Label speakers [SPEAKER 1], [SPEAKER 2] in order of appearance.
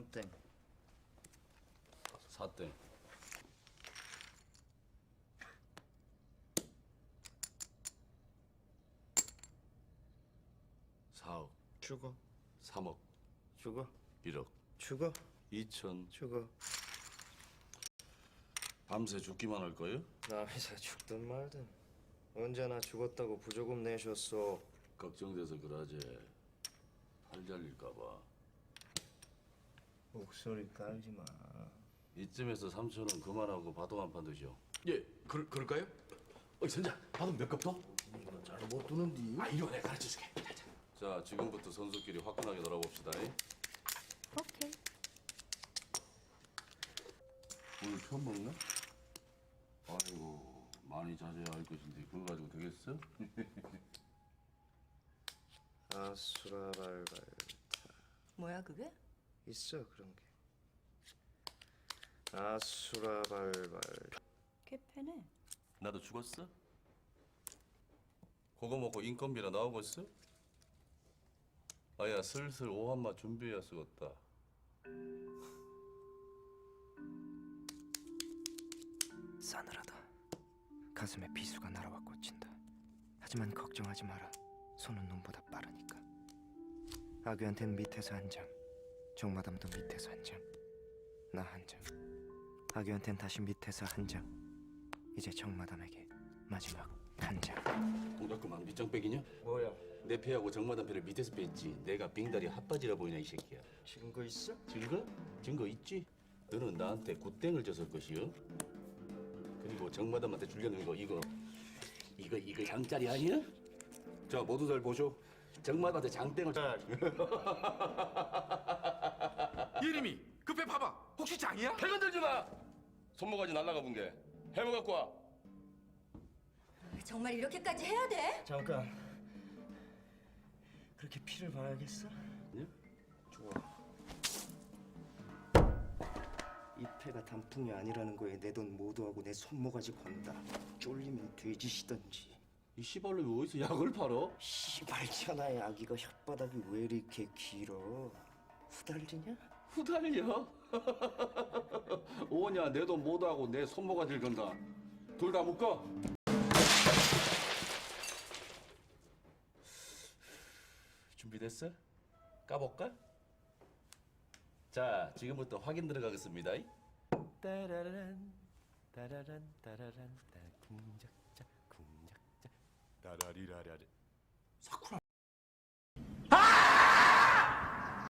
[SPEAKER 1] 3땡.
[SPEAKER 2] 4땡. 4억.
[SPEAKER 1] 죽어.
[SPEAKER 2] 3억.
[SPEAKER 1] 죽어.
[SPEAKER 2] 1억.
[SPEAKER 1] 죽어.
[SPEAKER 2] 2천.
[SPEAKER 1] 죽어.
[SPEAKER 2] 밤새 죽기만 할 거예요?
[SPEAKER 1] 남이사 죽든 말든 언제나 죽었다고 부조금 내셨어.
[SPEAKER 2] 걱정돼서 그러지. 팔 잘릴까 봐.
[SPEAKER 1] 목소리 깔지 마.
[SPEAKER 2] 이쯤에서 3천원 그만하고 바둑 한 판 드시오.
[SPEAKER 3] 예, 그럴까요? 선자, 바둑 몇 컵 더?
[SPEAKER 1] 잘못 두는디.
[SPEAKER 3] 이리 와, 내가 가르쳐줄게. 자.
[SPEAKER 2] 자, 지금부터 선수끼리 화끈하게 놀아봅시다.
[SPEAKER 4] 오케이.
[SPEAKER 2] 오늘 처음 먹나? 아이고, 많이 자제해야 할 것인데 그거 가지고 되겠어?
[SPEAKER 1] 아수라발발.
[SPEAKER 4] 뭐야 그게?
[SPEAKER 1] 있어 그런 게. 아수라발발.
[SPEAKER 4] 개패네.
[SPEAKER 2] 나도 죽었어? 그거 먹고 인건비나 나오겠어? 아야, 슬슬 오한마 준비해야 쓰겠다.
[SPEAKER 5] 싸늘하다. 가슴에 비수가 날아와 꽂힌다. 하지만 걱정하지 마라. 손은 눈보다 빠르니까. 아귀한텐 밑에서 한 장, 정마담도 밑에서 한 장, 나 한 장. 아귀한텐 다시 밑에서 한 장. 이제 정마담에게 마지막 한 장.
[SPEAKER 2] 동작그만 밑장빼기냐?
[SPEAKER 1] 뭐야?
[SPEAKER 2] 내 패하고 정마담 패를 밑에서 뺐지. 내가 빙다리 핫바지라 보이냐 이 새끼야.
[SPEAKER 1] 증거 있어?
[SPEAKER 2] 증거? 증거 있지? 너는 나한테 굿땡을 줬을 것이요. 그리고 정마담한테 주려는 거 이거 장짜리 아니야? 자, 모두 잘 보쇼. 정마담한테 장땡을
[SPEAKER 3] 예림이, 그 배 봐봐. 혹시 장이야?
[SPEAKER 2] 배 건들지 마! 손모가지 날라가 본 게. 해머 갖고 와.
[SPEAKER 4] 정말 이렇게까지 해야 돼?
[SPEAKER 1] 잠깐. 그렇게 피를 봐야겠어?
[SPEAKER 2] 예?
[SPEAKER 1] 좋아. 이 패가 단풍이 아니라는 거에 내 돈 모두하고 내 손모가지 건다. 쫄리면 돼지시던지.
[SPEAKER 2] 이 씨발로 어디서 약을 팔어?
[SPEAKER 1] 씨발 천하의 아기가 혓바닥이 왜 이렇게 길어? 후달리냐?
[SPEAKER 2] 후달려? 오냐, 내 돈 모두하고 내 손모가지를 건다. 둘 다 묶어. 준비됐어? 까볼까? 자, 지금부터 확인 들어가겠습니다.
[SPEAKER 5] 따라란 따라란 따라란 따 궁작자 궁작자
[SPEAKER 3] 라라리라라리.